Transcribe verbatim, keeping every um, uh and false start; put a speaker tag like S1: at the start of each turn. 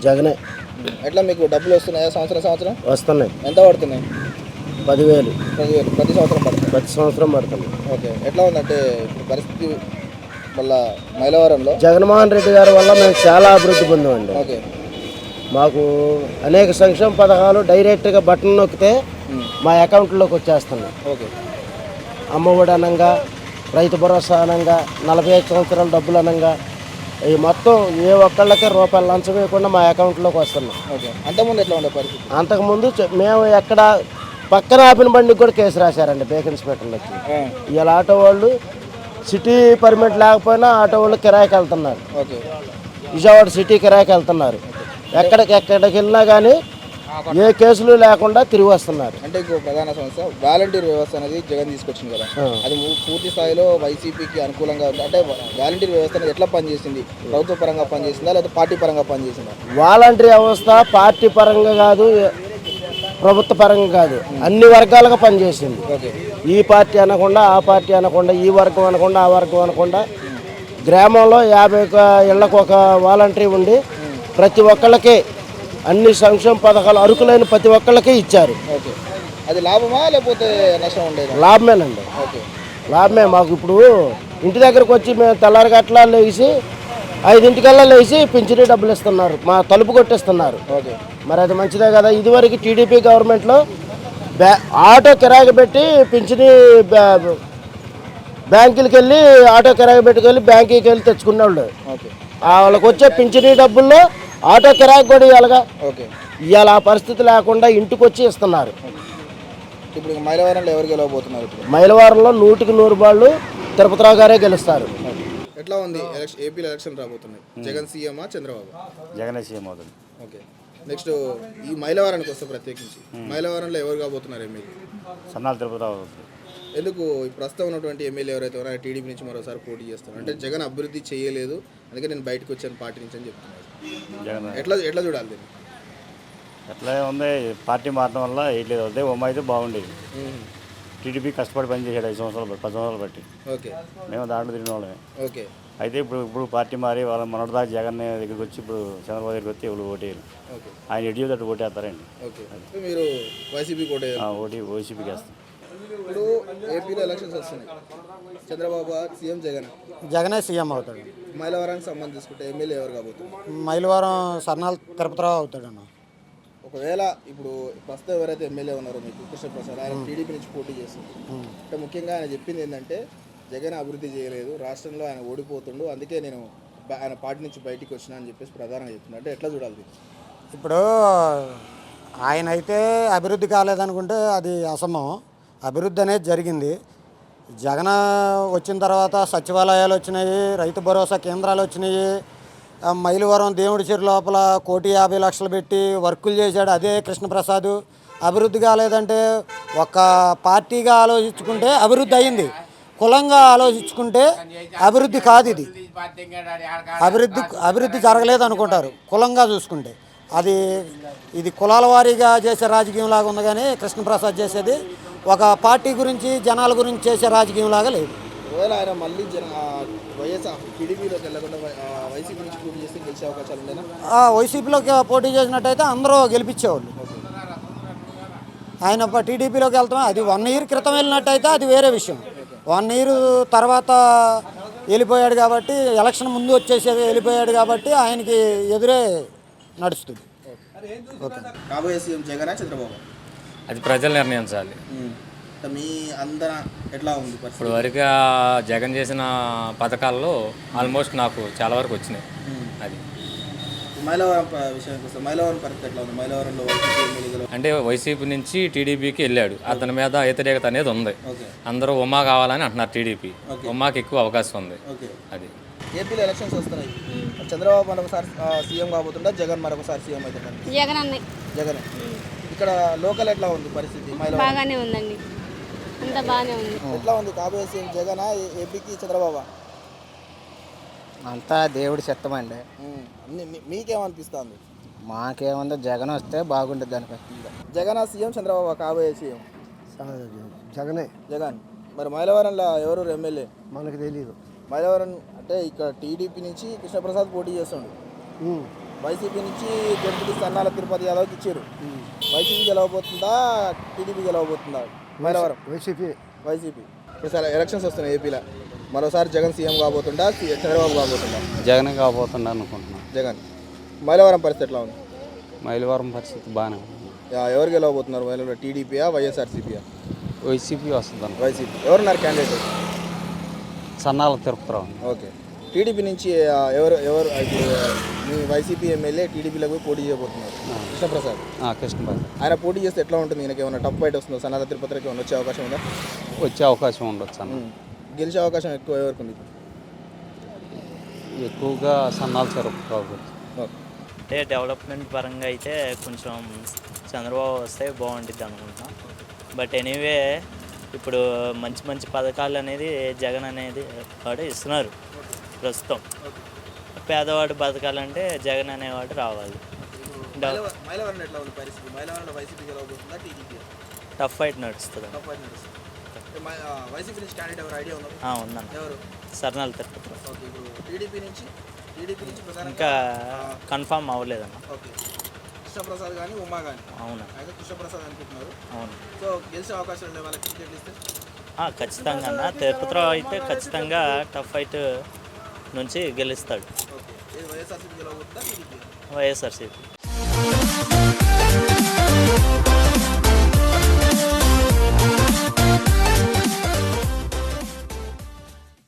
S1: జగనే.
S2: ఎట్లా మీకు డబ్బులు వస్తున్నాయా సంవత్సరం సంవత్సరం?
S1: వస్తున్నాయి.
S2: ఎంత పడుతున్నాయి?
S1: పదివేలు.
S2: పదివేలు ప్రతి సంవత్సరం పడుతుంది?
S1: ప్రతి సంవత్సరం పడుతుంది.
S2: ఓకే. ఎట్లా ఉందంటే ఇప్పుడు పరిస్థితి మళ్ళా మైలవరంలో?
S1: జగన్మోహన్ రెడ్డి గారి వల్ల మేము చాలా అభివృద్ధి పొందామండి.
S2: ఓకే.
S1: మాకు అనేక సంక్షేమ పథకాలు డైరెక్ట్గా బటన్ నొక్కితే మా అకౌంట్లోకి వచ్చేస్తున్నాయి.
S2: ఓకే.
S1: అమ్మఒడి అనంగా, రైతు భరోసా అనంగా, నలభై ఐదు సంవత్సరాల డబ్బులు అనంగా ఈ మొత్తం ఏ ఒక్కళ్ళకే రూపాయలు లంచం వేయకుండా మా అకౌంట్లోకి వస్తున్నాం.
S2: ఓకే. అంతకుముందు ఎట్లా ఉండే పరిస్థితి?
S1: అంతకుముందు మేము ఎక్కడ పక్కన ఆపిన బండికి కూడా కేసు రాశారండి బేక్ ఇన్స్పెక్టర్లు వచ్చి. ఇలా ఆటో వాళ్ళు సిటీ పర్మిట్ లేకపోయినా ఆటో వాళ్ళు కిరాయికి వెళ్తున్నారు.
S2: ఓకే.
S1: విజయవాడ సిటీ కిరాయికి వెళ్తున్నారు. ఎక్కడికి ఎక్కడికి వెళ్ళినా కానీ ఏ కేసులు లేకుండా తిరిగి వస్తున్నారు.
S2: అంటే ఇంకో ప్రధాన సమస్య వాలంటీర్ వ్యవస్థ అనేది జగన్ తీసుకొచ్చింది కదా, అది పూర్తి స్థాయిలో వైసీపీకి అనుకూలంగా ఉంది. అంటే వాలంటీర్ వ్యవస్థ అనేది ఎట్లా పనిచేసింది? ప్రభుత్వ పరంగా పనిచేసిందా లేదా పార్టీ పరంగా పనిచేసిందా?
S1: వాలంటీర్ వ్యవస్థ పార్టీ పరంగా కాదు, ప్రభుత్వ పరంగా కాదు, అన్ని వర్గాలుగా పనిచేసింది. ఈ పార్టీ అనకుండా ఆ పార్టీ అనకుండా, ఈ వర్గం అనకుండా ఆ వర్గం అనకుండా, గ్రామంలో యాభై ఇళ్లకు ఒక వాలంటీర్ ఉండి ప్రతి ఒక్కళ్ళకి అన్ని సంక్షేమ పథకాలు అరుకులైన ప్రతి ఒక్కళ్ళకి ఇచ్చారు.
S2: ఓకే. అది లాభమా లేకపోతే నష్టం ఉండేది?
S1: లాభమేనండి.
S2: ఓకే.
S1: లాభమే. మాకు ఇప్పుడు ఇంటి దగ్గరకు వచ్చి మేము తెల్లారి గట్లా లేచి ఐదింటికల్లా లేచి పింఛనీ డబ్బులు ఇస్తున్నారు, మా తలుపు కొట్టిస్తున్నారు.
S2: ఓకే.
S1: మరి అది మంచిదే కదా. ఇదివరకు టీడీపీ గవర్నమెంట్లో బ్యా ఆటో కిరాయి పెట్టి పింఛనీ బ్యాంకులకి వెళ్ళి ఆటో కిరాయి పెట్టుకెళ్ళి బ్యాంకుకి వెళ్ళి తెచ్చుకునేవాళ్ళు.
S2: ఓకే.
S1: వాళ్ళకి వచ్చే పింఛనీ డబ్బుల్లో ఆటో కిరాయి కూడా ఇవ్వాలిగా.
S2: ఓకే.
S1: ఇవాళ ఆ పరిస్థితి లేకుండా ఇంటికి వచ్చి ఇస్తున్నారు.
S2: ఇప్పుడు మైలవరంలో ఎవరు గెలవబోతున్నారు? ఇప్పుడు
S1: మైలవరంలో నూటికి నూరు బాళ్ళు తిరుపతిరావు గారే గెలుస్తారు.
S2: ఎట్లా ఉంది ఎలక్షన్? ఏపీలో ఎలక్షన్ రాబోతున్నాయి. జగన్ సీఎమా చంద్రబాబు?
S3: జగన్ సీఎం అవుతుంది.
S2: ఓకే. నెక్స్ట్ ఈ మైలవరానికి వస్తే ప్రత్యేకించి మైలవరంలో ఎవరు కాబోతున్నారు ఎమ్మెల్యే?
S3: సన్నాల తిరుపతిరావు.
S2: ఎందుకు ప్రస్తుతం ఉన్నటువంటి ఎమ్మెల్యే ఎవరైతే ఉన్నారో టీడీపీ నుంచి మరోసారి పోటీ చేస్తారు? అంటే జగన్ అభివృద్ధి చేయలేదు, అందుకే నేను బయటకు వచ్చాను పార్టీ నుంచి అని చెప్తున్నారు.
S3: జగన్
S2: ఎట్లా ఎట్లా చూడాలి దీన్ని?
S3: ఎట్లా ఉంది, పార్టీ మారడం వల్ల వేయట్లేదు. అదే ఉమ్మ అయితే బాగుండేది. టీడీపీ కష్టపడి పనిచేసాడు ఐదు సంవత్సరాలు పది సంవత్సరాలు బట్టి.
S2: ఓకే.
S3: మేము దాంట్లో తిరిగిన వాళ్ళమే.
S2: ఓకే.
S3: అయితే ఇప్పుడు ఇప్పుడు పార్టీ మారి వాళ్ళ మొన్నటిదాకా జగన్ దగ్గరికి వచ్చి ఇప్పుడు చంద్రబాబు దగ్గరికి వచ్చి ఎవరు ఓటేయాలి. ఆయన ఎడ్యూ తట్టు ఓటేస్తారండి.
S2: ఓకే. మీరు వైసీపీ కోటే
S3: ఓటీ వైసీపీకి వేస్తాం.
S2: ఇప్పుడు ఏపీలో ఎలక్షన్స్ వస్తున్నాయి. చంద్రబాబు సీఎం, జగన్
S4: జగనే సీఎం అవుతాడు.
S2: మైలవరానికి సంబంధించి తీసుకుంటే ఎమ్మెల్యే ఎవరు కాబోతుంది?
S4: మైలవరం సన్నాల తిరుపతిరావు అవుతాడు అన్న.
S2: ఒకవేళ ఇప్పుడు ప్రస్తుతం ఎవరైతే ఎమ్మెల్యే ఉన్నారో మీకు కృష్ణప్రసాద్, ఆయన టీడీపీ నుంచి పోటీ చేస్తుంది. అంటే ముఖ్యంగా ఆయన చెప్పింది ఏంటంటే జగన్ అభివృద్ధి చేయలేదు, రాష్ట్రంలో ఆయన ఓడిపోతుండు, అందుకే నేను ఆయన పార్టీ నుంచి బయటికి వచ్చినా అని చెప్పేసి ప్రధానంగా చెప్తున్నాను. అంటే ఎట్లా చూడాలి?
S4: ఇప్పుడు ఆయన అయితే అభివృద్ధి కాలేదనుకుంటే అది అసమం. అభివృద్ధి అనేది జరిగింది. జగన్ వచ్చిన తర్వాత సచివాలయాలు వచ్చినాయి, రైతు భరోసా కేంద్రాలు వచ్చినాయి, మైలవరం దేవుడి చెరు లోపల కోటి యాభై లక్షలు పెట్టి వర్కులు చేశాడు అదే కృష్ణప్రసాద్. అభివృద్ధి కాలేదంటే ఒక పార్టీగా ఆలోచించుకుంటే అభివృద్ధి అయింది, కులంగా ఆలోచించుకుంటే అభివృద్ధి కాదు. ఇది అభివృద్ధి అభివృద్ధి జరగలేదు అనుకుంటారు కులంగా చూసుకుంటే. అది ఇది కులాల వారీగా చేసే రాజకీయం లాగా ఉంది, కానీ కృష్ణప్రసాద్ చేసేది ఒక పార్టీ గురించి జనాల గురించి చేసే రాజకీయం లాగా లేదు.
S2: ఒకవేళ ఆయన మళ్ళీ జన వైఎస్ఆర్ టీడీపీలోకి వెళ్ళకుండా వైసీపీ నుంచి పోటీ చేస్తే గెలిచే అవకాశాలు ఉండేనా?
S4: వైసీపీలోకి పోటీ చేసినట్టయితే అందరూ గెలిపించేవాళ్ళు. ఆయన టీడీపీలోకి వెళ్తాం, అది వన్ ఇయర్ క్రితం వెళ్ళినట్టయితే అది వేరే విషయం. వన్ ఇయర్ తర్వాత వెళ్ళిపోయాడు కాబట్టి, ఎలక్షన్ ముందు వచ్చేసి వెళ్ళిపోయాడు కాబట్టి ఆయనకి ఎదురే నడుస్తుంది.
S2: ఓకే. కాబోయే సీఎం జగన్ చంద్రబాబు?
S5: అది ప్రజలు నిర్ణయించాలి.
S2: మీ అందర ఎట్లా ఉంది
S5: ఇప్పుడు వరకు జగన్ చేసిన పథకాల్లో ఆల్మోస్ట్ నాకు చాలా వరకు వచ్చినాయి. అది
S2: మైలవరం విషయానికి వస్తే మైలవరం పరిస్థితి ఎట్లా ఉంది? మైలవరంలో
S5: అంటే వైసీపీ నుంచి టీడీపీకి వెళ్ళాడు, అతని మీద వ్యతిరేకత అనేది ఉంది. అందరూ ఉమా కావాలని అంటున్నారు. టీడీపీ ఉమాకి ఎక్కువ అవకాశం ఉంది. అది
S2: ఏపీలో ఎలక్షన్స్ వస్తున్నాయి. చంద్రబాబు మరొకసారి సీఎం కాబోతుందా, జగన్ మరొకసారి సీఎం అవుతుందా?
S6: జగన్ అన్నయ్య.
S2: జగన్. ఇక్కడ లోకల్ ఎట్లా ఉంది పరిస్థితి?
S6: బాగానే ఉందండి, అంతా బాగానే ఉంది.
S2: ఎట్లా ఉంది కాబోయే సీఎం జగన్ ఏపీకి చంద్రబాబు?
S7: అంతా దేవుడి చిత్తమండి.
S2: మీకేమనిపిస్తుంది?
S7: మాకేముందో జగన్ వస్తే బాగుంటుంది. దానిపై
S2: జగన్ సీఎం, చంద్రబాబు కాబోయే సీఎం?
S1: జగనే.
S2: జగన్. మరి మైలవరంలో ఎవరు ఎమ్మెల్యే?
S1: మనకు తెలియదు.
S2: మైలవరం అంటే ఇక్కడ టీడీపీ నుంచి కృష్ణప్రసాద్ పోటీ చేస్తుండు. వైసీపీ నుంచి జడ్పీ సన్నాల తిరుపతి యాదవ్కి ఇచ్చారు. వైసీపీ గెలవబోతుందా టీడీపీ గెలవబోతుందా? Mylavaram
S1: YCP
S2: YCP. ఈసారి ఎలక్షన్స్ వస్తున్నాయి ఏపీలో. మరోసారి జగన్ సీఎం కాబోతుండా సి- చంద్రబాబు కాబోతుండా?
S8: జగన్ కాబోతుండ అనుకుంటున్నాను.
S2: జగన్. మైలవరం పరిస్థితి ఎట్లా ఉంది?
S8: మైలవరం పరిస్థితి బాగానే ఉంది.
S2: యా- ఎవరు గెలవబోతున్నారు మైలవరం? టీడీపీయా వైఎస్ఆర్సీపీయా?
S8: వైసీపీ వస్తుంది అనుకో.
S2: వైసీపీ. ఎవరున్నారు candidate?
S8: Sannala Tirupatirao.
S2: Okay. TDP నుంచి ఆ, ఎవరు ఎవరు ఇప్పుడు మీ వైసీపీ ఎమ్మెల్యే టీడీపీలో పోయి పోటీ చేయబోతున్నారు కృష్ణప్రసాద్.
S8: ఆ, కృష్ణబాబు
S2: ఆయన పోటీ చేస్తే ఎట్లా ఉంటుంది? ఈయనకి ఏమైనా టఫ్ ఫైట్ వస్తుందో? సన్నాల తిరుపతికి ఏమైనా వచ్చే అవకాశం ఉందా?
S8: వచ్చే అవకాశం ఉండొచ్చు అన్న.
S2: గెలిచే అవకాశం ఎక్కువ ఎవరికి ఉంది?
S8: ఎక్కువగా సన్నాల తిరుపతిరావు.
S2: ఓకే.
S9: అంటే డెవలప్మెంట్ పరంగా అయితే కొంచెం చంద్రబాబు వస్తే బాగుంటుంది అనుకుంటున్నాం. బట్ ఎనీవే ఇప్పుడు మంచి మంచి పథకాలు అనేది జగన్ అనేది వాడు ఇస్తున్నారు ప్రస్తుతం. పేదవాడు బతకాలంటే జగన్ అనేవాడు రావాలి. డెవ-
S2: మైలవరం ఎట్లా ఉంది పరిస్థితి? మైలవరంలో వైసీపీ గెలవబోతుందా టీడీపీ?
S9: టఫ్ ఫైట్ నడుస్తుంది.
S2: టఫ్ ఫైట్ నడుస్తుంది. వైసీపీ నుంచి క్యాండిడేట్ ఎవరు ఐడియా ఉన్నారు?
S9: ఆ, ఉందన్న
S2: ఎవరు?
S9: సర్నాలు తిరుపతి.
S2: ఓకే. ఇప్పుడు టీడీపీ నుంచి టీడీపీ నుంచి ప్రధానంగా
S9: ఇంకా కన్ఫామ్ అవ్వలేదన్న.
S2: ఓకే. కృష్ణప్రసాద్ కానీ ఉమా కానీ
S9: అవునా?
S2: అయితే కృష్ణప్రసాద్ అనుకుంటున్నారు.
S9: అవును.
S2: సో గెలిచే అవకాశం ఉండే వాళ్ళకి టికెట్లు ఇస్తే
S9: ఆ, ఖచ్చితంగా అన్న తిరుపతిరావు అయితే ఖచ్చితంగా టఫ్ ఫైట్ నుంచి గెలుస్తాడు.
S2: ఓకే. ఇది వైఎస్ఆర్సీపీ గెలవబోతుందా టీడీపీ?
S9: వైఎస్ఆర్సీపీ.